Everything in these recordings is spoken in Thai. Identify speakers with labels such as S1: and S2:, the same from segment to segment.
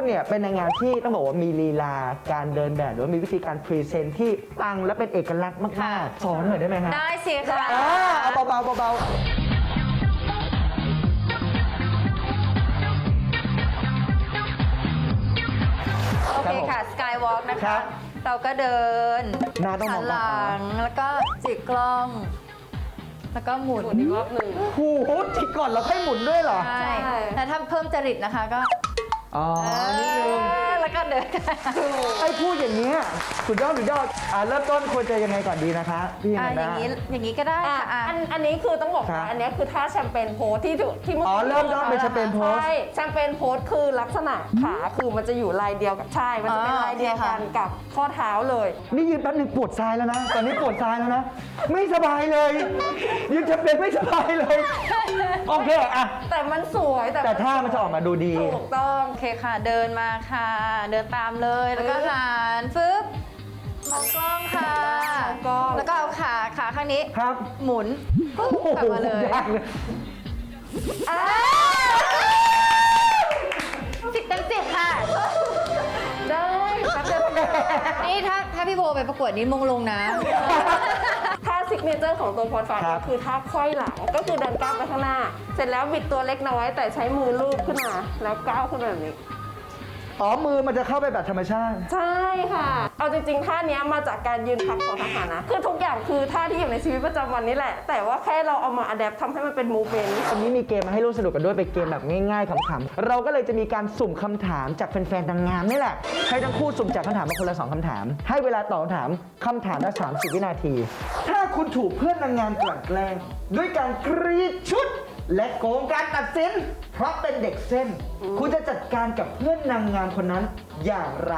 S1: เนี่ยเป็นนางงามที่ต้องบอกว่ามีลีลาการเดินแบบหรือว่ามีวิธีการพรีเซนต์ที่ปังและเป็นเอกลักษณ์มากๆสอนหน่อยได้ไหมฮะ
S2: ได้สิค่ะ
S1: เอาเบาๆเบาๆ
S2: โอเคค่ะสกายวอล์กนะ
S1: ครั
S2: คะ
S1: บ
S2: เราก็เดิน
S1: หน้าต้องม
S2: หั
S1: อง
S2: นหลังแล้วก็จิกกล้อง แล้วก็หมุน
S3: อีกรอบหนึ่ง
S1: โอ้โหจิกก่อนแล้วค่อยหมุนด้วยเหรอ
S2: ใช่
S3: ใช่
S2: แล้วถ้าเพิ่มจริตนะคะก็
S1: อ๋อนิดนึง
S2: แล้วก็เดิน
S1: ไอ้พูดอย่างเนี้ยสุดยอดเริ่มต้นควรจะยังไงก่อนดีนะคะพี่
S2: อ่ะ
S1: นัน
S2: อ
S1: ดา
S2: ย่างนี้อย่างนี้ก็ได้
S3: อ่ะ
S2: ค่ะอ่ะ
S3: อันนี้คือต้องบอก
S1: ครั
S3: ว่า
S1: บ
S3: อันนี้คือท่าแชมเปญโพสที่ถูกที่
S1: อ๋อเริ่มต้นเป็นแชมเปญโพส
S3: ใช่แชมเปญโพสคือลักษณะขาคือมันจะอยู่ลายเดียวกับใช่ มันจะเป็นลายเดียวกันกับข้อเท้าเลย
S1: นี่ยืนแป๊บหนึงปวดทรายแล้วนะ ตอนนี้ปวดทรายแล้วนะ ไม่สบายเลยยืนจะเป็นไม่สบายเลย โอเคอะ
S3: แต่มันสวย
S1: แต่ท่ามันจะออกมาดูดี
S3: ถูกต้อง
S2: โอเคค่ะเดินมาค่ะ เดินตามเลยแล้วก็หันฟึบมองกล้องค่ะ
S3: มองกล้อง
S2: แล้วก็เอาขาข้างนี้
S1: ครับ
S2: หมุนปุ๊บ
S1: โอ้โห
S2: กลับมาเลย
S1: ยากเลย
S2: 10 เต็ม 10ค่ะ
S3: ได้แป๊บเดียว
S2: นี่ถ้าพี่โบไปประกวดนี้มงลงนะ
S3: ท่าซิกเนเจอร์ของตัวพรฟ้า
S1: ครับ
S3: ก็คือท่าไขว้หลังก็คือเดินก้าวไปข้างหน้า เสร็จแล้วบิดตัวเล็กน้อยแต่ใช้มือลูบขึ้นมาแล้วก้าวขึ้นมาแบบนี้
S1: อ๋อมือมันจะเข้าไปแบบธรรมชาติ
S3: ใช่ค่ะ เอาจริงๆ ท่านี้มาจากการยืนพักของทหารนะ คือทุกอย่างคือท่าที่อยู่ในชีวิตประจำวันนี่แหละ แต่ว่าแค่เราเอามาอัดแอปทำให้มันเป็นมูฟเมนต์
S1: วันนี้มีเกมมาให้ร่วมสนุกกันด้วยเป็นเกมแบบง่ายๆขำๆเราก็เลยจะมีการสุ่มคำถามจากแฟนๆนางงามนี่แหละให้ทั้งคู่สุ่มจากคำถามมาคนละ2คำถาม ให้เวลาตอบคำถามละ30 วินาที ถ้าคุณถูกเพื่อนนางงามกลั่นแกล้งด้วยการกรีดชุด และโกงการตัดสินเพราะเป็นเด็กเส้น คุณจะจัดการกับเพื่อนนางงามคนนั้นอย่างไร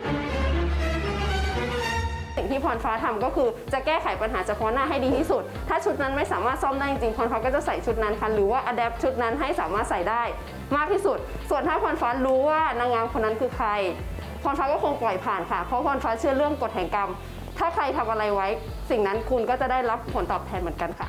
S3: สิ่งที่พรฟ้าทำก็คือจะแก้ไขปัญหาเฉพาะหน้าให้ดีที่สุด ถ้าชุดนั้นไม่สามารถซ่อมได้จริงๆพรฟ้าก็จะใส่ชุดนั้นค่ะหรือว่าอัดแอปชุดนั้นให้สามารถใส่ได้มากที่สุด ส่วนถ้าพรฟ้ารู้ว่านางงามคนนั้นคือใครพรฟ้าก็คงปล่อยผ่านค่ะ เพราะพรฟ้าเชื่อเรื่องกฎแห่งกรรม ถ้าใครทำอะไรไว้ สิ่งนั้นคุณก็จะได้รับผลตอบแทนเหมือนกันค่ะ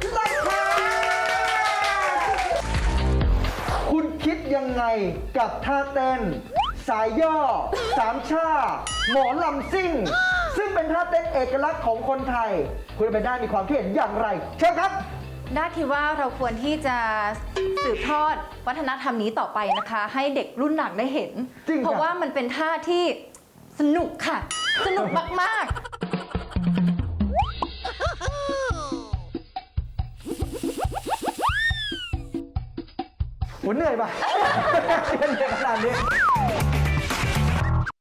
S1: คุณคิดยังไงกับท่าเต้น สายย่อ สามชาหมอลำซิ่ง ซึ่งเป็นท่าเต้นเอกลักษณ์ของคนไทย คุณเป็นได้มีความคิดเห็นอย่างไร เชิญครับ
S2: ด้าคิดว่าเราควรที่จะสืบทอดวัฒนธรรมนี้ต่อไปนะคะ ให้เด็กรุ่นหลังได้เห็น
S1: จริงค่ะ
S2: เพราะว่ามันเป็นท่าที่สนุกค่ะ สนุกมากๆ
S1: โหเหนื่อยปะ เหนื่อยขนาดนี้